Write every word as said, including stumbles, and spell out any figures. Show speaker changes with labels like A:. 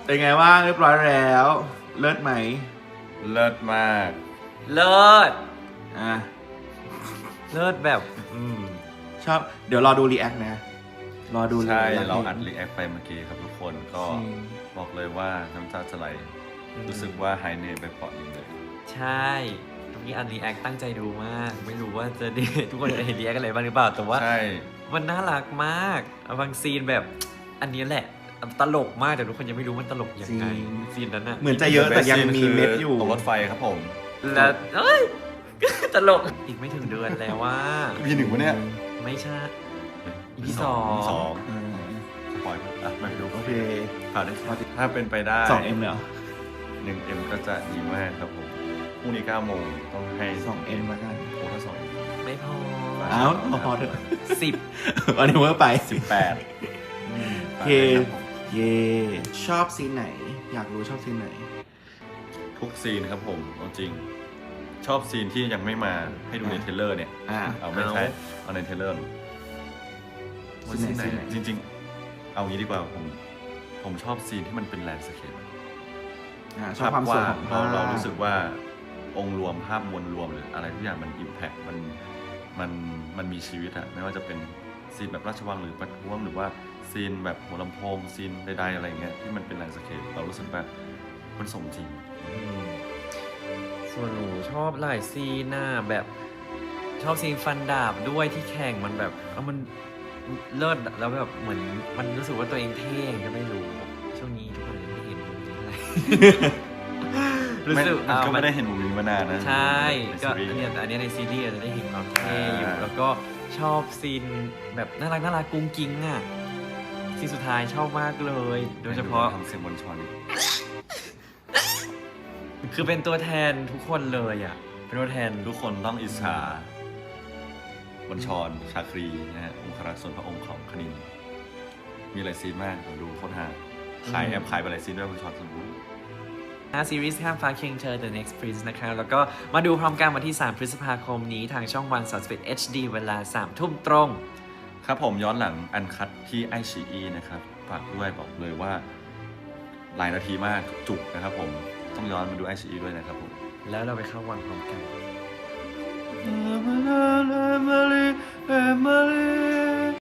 A: เป็นไงบ้างเรียบร้อยแล้ว เลิศไหม
B: เลิศมาก
C: เลิศ
A: อ่ะ
C: เลิศแบบ อืม
A: ชอบ เดี๋ยวรอดูรีแอคนะ รอดู
B: ใช่
A: แล้ว
B: เราอัดรีแอคไปเมื่อกี้ครับทุกคนก็
A: จริง
B: บอกเลยว่าน้ำตาจะไหล
C: อืม
B: รู้สึกว่าหายเหนื่อยไปเปราะหนึ่งเลย
C: ใช่เมื่อกี้อันรีแอคตั้งใจดูมาก ไม่รู้ว่าจะได้ ทุกคนจะเห็นรีแอคอะไรบ้างหรือเปล่า แต่ว่า
B: ใช่
C: มันน่ารักมากบางซีนแบบ อันนี้แหละ ตลกมากแต่ทุกคนยังไม่รู้มันตลกยังไง
A: จริง
C: ซีนนั้นอะ
A: เหมือนจะเยอะแต่ยังมีเม็ดอยู่
B: ตกรถไฟครับผม
C: แล้วเอ้ย ตลกอีกไม่ถึงเดือนแล้วว่า
B: พีหนึ่งวะเนี่ย
C: ไม่ใช่ อีพี
B: สอง
C: สอง
B: สอง
A: อืม
B: สปอยอ่ะไม่ดู
A: โอเค
B: ผ่านได้ถ้าเป็นไปได้
A: สองเอ็มเลยเหรอ
B: หนึ่งเอ็มก็จะดีมากครับผมพรุ่งนี้เก้าโมงต้องให้
A: สองเอ็มละกัน
B: โอ้ถ้าสอง
C: ไม่พอ
A: อ้าวพอเถอะ
C: สิบ
A: วันนี้เมื่อไป
B: สิบแปด
A: โอเค เย่ชอบซีนไหน อยากรู้ชอบซีนไหน
B: ทุกซีนครับผมเอาจริง ชอบซีนที่ยังไม่มาให้ดูใน
A: อ่ะ
B: เทรลเลอร์เนี่ย
A: อ่า
B: เอาไม่ใช่เอาในเทรลเลอร์
A: ซีนไหนซีนไหน
B: จริง ๆ เอางี้ดีกว่าผมผมชอบซีนที่มันเป็นแลนด์สเคป
A: อ่าชอบความสวยของ
B: เรา
A: ภาพ
B: เรารู้สึกว่าองค์รวมภาพมวลรวมหรืออะไรทุกอย่างมันอิมแพคมันมันมันมีชีวิตอะไม่ว่าจะเป็นซีนแบบราชวังหรือประท้วงหรือว่าซีนแบบหัวลำโพงซีนใดๆอะไรอย่างเงี้ยที่มันเป็นแลนด์สเคปเรารู้สึกว่ามันสมจริง
C: อืมส่วนหนูชอบหลายซีนน่ะแบบชอบซีนฟันดาบด้วยที่แข่งมันแบบเออมันเลิศอะแล้วแบบเหมือนมันรู้สึกว่าตัวเองเท่ก็ไม่รู้ช่วงนี้ทุกคนยังไม่เห็นมุมนี้เท่าไหร่ รู้สึก
B: มันก็
C: อ่า
B: ไม่ได้เห็นมุมนี้มานานนะ
C: ใช่
B: ใน
C: ก็
B: ซีรีส์
C: อันเนี้ยแต่อันเนี้ยในซีรีส์จะได้เห็นความเท่อยู่
B: อ่า
C: แล้วก็ชอบซีนแบบน่ารักน่ารักกุ้งกิ้งอ่ะซีนสุดท้ายชอบมากเลย โดยเฉพาะ
B: ทำเสียงบนชอน
C: คือเป็นตัวแทนทุกคนเลยอ่ะ เป็นตัวแทน
B: ทุกคนต้องอิจฉาบนชอนชาครีนะฮะองครักษ์ส่วนพระองค์ของคณิน มีหลายซีนมากผมดูโคตรฮาขายแอบขายไปหลายซีนด้วยบนชอนสมบูรณ์
C: ซีรีส์ข้ามฟ้าเคียงเธอ The Next Prince นะคะแล้วก็มาดูพร้อมกันวันที่ สาม พฤษภาคมนี้ทางช่องวันสามสิบเอ็ด เอช ดี เวลา สาม ทุ่มตรง
B: ครับผมย้อนหลังอันคัดที่ไอชีอีนะครับฝากด้วยบอกเลยว่า หลายนาทีมากจุกนะครับผมต้องย้อนมาดูไอชีอีด้วยนะครับผม
C: แล้วเราไปเข้าวังพร้อมกัน
B: Emily, Emily, Emily.